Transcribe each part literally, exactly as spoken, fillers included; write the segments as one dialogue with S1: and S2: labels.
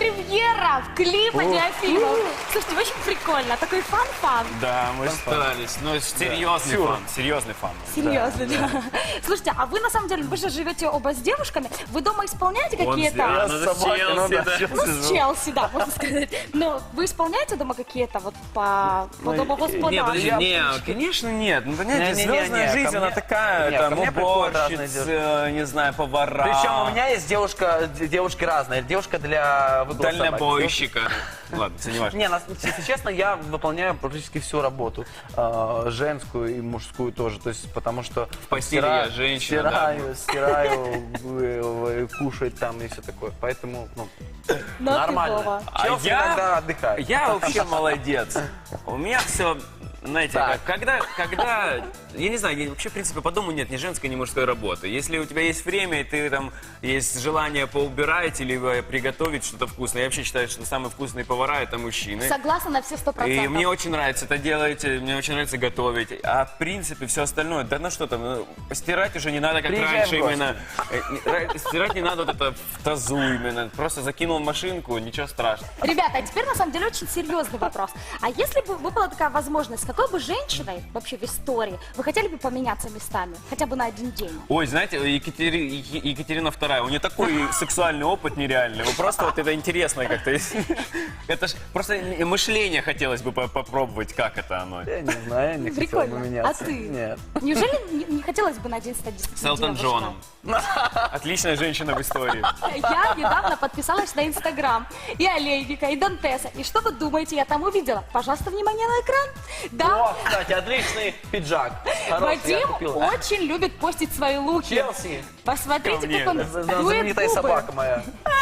S1: премьера в клипа Неофимов. Слушайте, очень прикольно. Такой фан-фан.
S2: Да, мы старались. Но серьезный фан, серьезный фан.
S1: Серьезно, да. Слушайте, а вы на самом деле, вы же живете оба с девушками, вы дома исполняете
S2: Он
S1: какие-то...
S2: сделал, ну, с Челси, да.
S1: Ну, с Челси, да, можно сказать. Но вы исполняете дома какие-то вот по, по дому господа?
S2: Не, подожди, не, конечно нет. Ну, понимаете,
S3: Не, не, не,
S2: звездная
S3: не,
S2: жизнь,
S3: ко
S2: она
S3: мне-
S2: такая,
S3: не,
S2: там,
S3: ко мне приходят разные
S2: уборщица, не знаю, повара.
S3: Причем у меня есть девушка, д- девушки разные. Девушка для выгула собак.
S2: Дальнобойщика. Ладно, это не важно.
S3: Не, нас- если честно, я выполняю практически всю работу. э, женскую и мужскую тоже. То есть, потому что... В
S2: постели я женщина, да.
S3: Стираю, стираю, э, э, кушать там и все такое. Поэтому, ну,
S1: Ну, а ты,
S3: нормально.
S1: Вова?
S2: А
S3: Челси
S2: я-
S3: иногда отдыхает.
S2: Я вообще молодец. У меня все, знаете,
S3: Так.
S2: как, когда, когда, я не знаю, я вообще, в принципе, по дому нет ни женской, ни мужской работы. Если у тебя есть время, и ты там, есть желание поубирать или э, приготовить что-то вкусное, я вообще считаю, что самые вкусные повара — это мужчины.
S1: Согласна на все сто процентов.
S2: И мне очень нравится это делать, э, мне очень нравится готовить. А в принципе все остальное, да ну что там, ну, стирать уже не надо, как
S3: Приезжай
S2: раньше
S3: в гости.
S2: именно. Э, не- ра- Стирать не надо вот это в тазу именно. Просто закинул в машинку, ничего страшного.
S1: Ребята, а теперь на самом деле очень серьезный вопрос. А если бы выпала такая возможность, с какой бы женщиной вообще в истории вы хотели бы поменяться местами? Хотя бы на один день?
S2: Ой, знаете, Екатери- Е- Екатерина вторая, у нее такой сексуальный опыт нереальный. Вы просто вот это интересно как-то. Это ж просто мышление хотелось бы по- попробовать, как это оно.
S3: Я не знаю, я не хотел бы
S1: Прикольно.
S3: меняться.
S1: А ты?
S3: Нет.
S1: Неужели не, не хотелось бы на один стать
S2: С
S1: действительно
S2: Элтон
S1: девушкой?
S2: Джоном. Отличная женщина в истории.
S1: Я недавно подписалась на Инстаграм и Олейника, и Дантеса. И что вы думаете, я там увидела? Пожалуйста, внимание на экран. Да,
S3: О, кстати, отличный пиджак. Хороший, я
S1: Вадим
S3: купил.
S1: очень любит постить свои луки.
S3: Челси.
S1: Посмотрите,
S2: Ко мне.
S1: как он
S3: Это
S1: дует
S3: знаменитая
S1: губы.
S3: собака моя.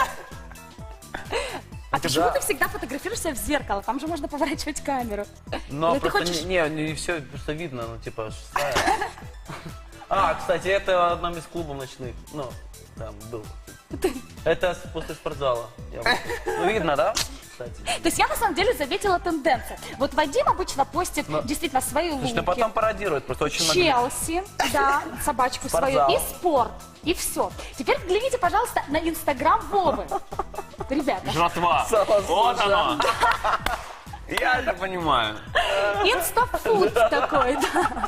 S1: А почему
S3: Да.
S1: ты всегда фотографируешься в зеркало? Там же можно поворачивать камеру.
S3: Но
S1: Или ты
S3: просто
S1: хочешь-
S3: не, не, все просто видно, ну типа шестая. А, кстати, это в одном из клубов ночных. Ну, там был. Это с- после спортзала. Я вышел. Ну, видно, да? Кстати.
S1: То есть я на самом деле заметила тенденцию. Вот Вадим обычно постит действительно свои луки.
S3: Слушай, ну потом пародирует, просто очень много.
S1: Челси, да, собачку свою,
S3: Спортзал.
S1: и спорт, и все. Теперь взгляните, пожалуйста, на Инстаграм Вовы. Ребята,
S2: Жратва. Вот оно. Я это понимаю.
S1: инстафуд такой, да.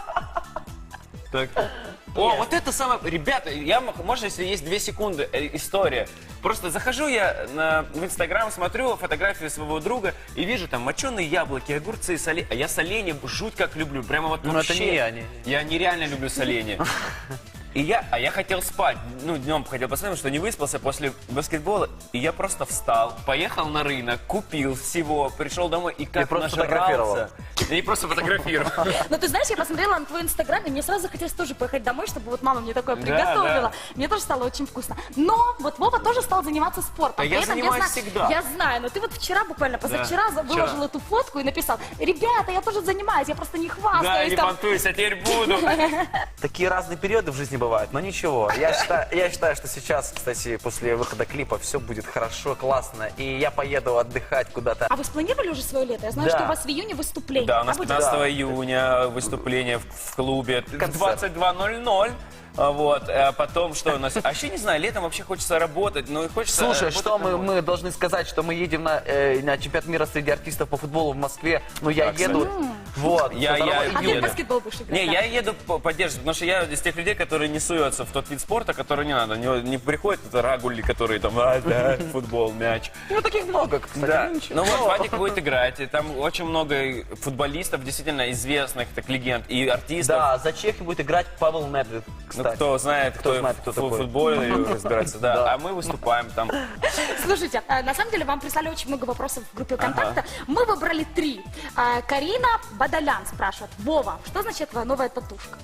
S2: Так. О, вот это самое... Ребята, я, м- можно, если есть две секунды, э, история. Просто захожу я на, в Инстаграм, смотрю фотографию своего друга и вижу там моченые яблоки, огурцы, соленья. А я соленья жуть как люблю. Прямо вот
S3: Ну,
S2: вообще.
S3: это не я, не-
S2: Я нереально люблю соленья. И я, а я хотел спать, ну, днем хотел посмотреть, что не выспался после баскетбола. И я просто встал, поехал на рынок, купил всего, пришел домой и как
S3: просто
S2: нажрался. Я не просто фотографировал.
S1: Но ты знаешь, я посмотрела на твой Инстаграм, и мне сразу захотелось тоже поехать домой, чтобы вот мама мне такое
S2: Да,
S1: приготовила.
S2: да.
S1: Мне тоже стало очень вкусно. Но вот Вова тоже стал заниматься спортом.
S2: Да я
S1: При этом
S2: занимаюсь
S1: знаю-
S2: всегда.
S1: Я знаю, но ты вот вчера, буквально позавчера,
S2: Да,
S1: выложил
S2: вчера.
S1: эту фотку и написал: ребята, я тоже занимаюсь, я просто не
S2: Да,
S1: хвастаюсь.
S2: не
S1: там».
S2: понтуйся, а теперь буду.
S3: Такие разные периоды в жизни бывают, но ничего. Я считаю, я считаю, что сейчас, кстати, после выхода клипа все будет хорошо, классно. И я поеду отдыхать куда-то.
S1: А вы спланировали уже свое лето? Я знаю,
S3: Да.
S1: что у вас в июне выступление.
S2: Да, у нас
S1: будет?
S2: пятнадцатого июня выступление в, в клубе в
S3: Концерт.
S2: двадцать два ноль ноль. А Вот, а потом что у нас? А еще не знаю, летом вообще хочется работать, ну и хочется...
S3: Слушай,
S2: работать
S3: что мы,
S2: домой.
S3: мы должны сказать, что мы едем на, э, на чемпионат мира среди артистов по футболу в Москве. Ну, я
S2: Так,
S3: еду. Вот.
S2: Я-
S3: со второго
S2: я-
S1: А ты
S2: еду.
S1: в баскетбол будешь играть?
S2: Не,
S1: да?
S2: я еду по- поддерживать, потому что я из тех людей, которые не суются в тот вид спорта, который не надо. Не, не приходят это рагули, которые там, а, да, футбол, мяч.
S3: Ну, таких много, кстати.
S2: Да.
S3: Ну, ничего.
S2: Ну вот Вадик будет играть, и там очень много футболистов, действительно известных, так легенд, и артистов.
S3: Да, за Чехию будет играть Павел Недвед,
S2: Ну,
S3: кстати.
S2: кто знает, кто,
S3: знает, кто
S2: в
S3: такой.
S2: футболе разбирается, да.
S3: Да.
S2: А мы выступаем там.
S1: Слушайте, а, на самом деле вам прислали очень много вопросов в группе ВКонтакте. Мы выбрали три. А, Карина Бадалян спрашивает: Вова, что значит твоя новая татушка?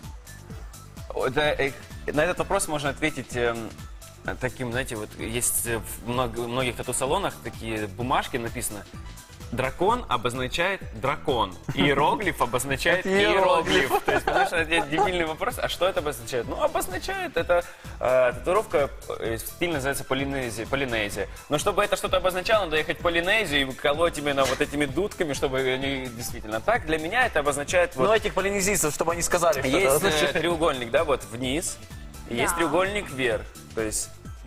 S2: Это, э, на этот вопрос можно ответить эм, таким, знаете, вот есть э, в много- многих тату-салонах такие бумажки написано: дракон обозначает дракон, иероглиф обозначает иероглиф. То есть, потому что это дебильный вопрос, а что это обозначает? Ну, обозначает, это э, татуировка, э, стиль называется полинезия, полинезия. Но чтобы это что-то обозначало, надо ехать в Полинезию и колоть именно вот этими дудками, чтобы они действительно так. Для меня это обозначает вот...
S3: Ну, этих полинезийцев, чтобы они сказали, что это
S2: Есть э,
S3: означает.
S2: треугольник, да, вот вниз, и есть
S1: Да.
S2: треугольник вверх. То есть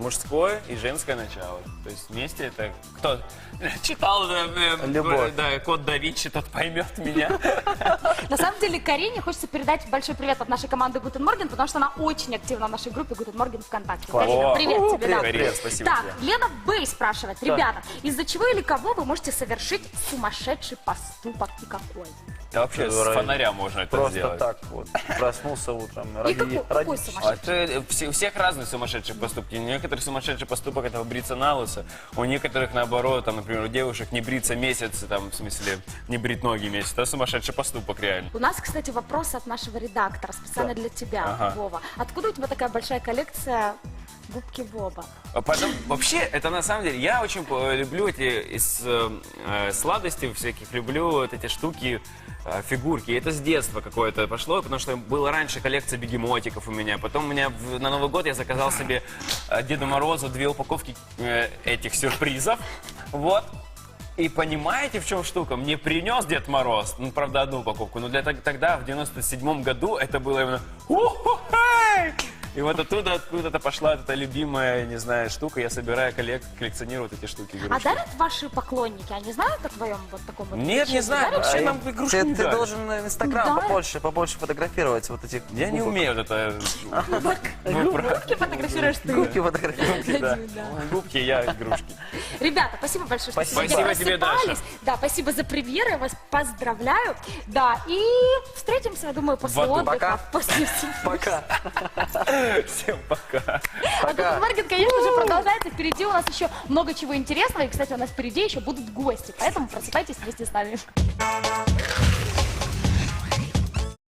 S2: мужское и женское начало. То есть вместе это кто читал да, э,
S3: Любовь.
S2: да, Код да Винчи, тот поймет меня.
S1: На самом деле Карине хочется передать большой привет от нашей команды Гутен Морген, потому что она очень активна в нашей группе Гутен Морген ВКонтакте.
S3: Класс.
S1: Карина,
S2: О,
S1: привет тебе.
S2: привет,
S1: да.
S2: привет, спасибо
S1: Так,
S2: тебе.
S1: Лена Бэй спрашивает, ребята, из-за чего или кого вы можете совершить сумасшедший поступок и какой?
S2: Да, вообще с
S3: Здорово.
S2: фонаря можно это
S3: Просто
S2: сделать.
S3: так вот. Проснулся утром.
S1: И
S3: Ради,
S1: какой,
S3: ради...
S1: какой
S2: А
S1: сумасшедший?
S2: это все- у всех разные сумасшедшие поступки. У некоторых сумасшедший поступок это бриться на лысо, у некоторых наоборот, там, например, у девушек не бриться месяц, там, в смысле, не брить ноги месяц. Это сумасшедший поступок реально.
S1: У нас, кстати, вопрос от нашего редактора, специально
S3: Да.
S1: для тебя,
S2: Ага.
S1: Вова. Откуда у тебя такая большая коллекция губки Боба?
S2: А потом, вообще, это на самом деле, я очень э, люблю эти из э, э, сладостей всяких, люблю вот эти штуки, э, фигурки. И это с детства какое-то пошло, потому что была раньше коллекция бегемотиков у меня. Потом у меня в- на Новый год я заказал себе э, Деду Морозу две упаковки э, этих сюрпризов. Вот. И понимаете, в чем штука? Мне принес Дед Мороз, ну, правда, одну упаковку, но для тог- тогда, в девяносто седьмом году, это было именно «Уху-хей!» И вот оттуда, откуда-то пошла эта любимая, не знаю, штука. Я собираю, коллек- коллекционирую вот эти штуки,
S1: А
S2: игрушки.
S1: дарят ваши поклонники? Они знают о твоем вот таком вот
S2: Нет, не
S1: увлечении?
S2: знаю,
S1: Дарят?
S2: вообще
S3: А
S2: нам
S3: я-
S2: игрушки
S3: ты,
S2: не
S3: ты
S2: дарят.
S3: должен на Инстаграм
S1: Да.
S3: побольше, побольше фотографировать вот этих
S2: Я не
S3: губок.
S2: умею вот это. Ну, про-
S1: Губки фотографируешь ты?
S3: Губки фотографировать.
S2: Губки, да.
S1: Да.
S2: Губки, я игрушки.
S1: Ребята, спасибо большое, что
S3: Спасибо.
S1: сегодня
S2: Спасибо тебе, Даша.
S1: просыпались. Да, спасибо за премьеры, я вас поздравляю. Да, и встретимся, я думаю, после
S2: В аду.
S1: отдыха.
S3: Пока.
S1: После всего.
S3: Пока.
S2: Всем пока.
S1: А Гутен Морген, конечно же, продолжается. Впереди у нас еще много чего интересного. И, кстати, у нас впереди еще будут гости. Поэтому просыпайтесь вместе с нами.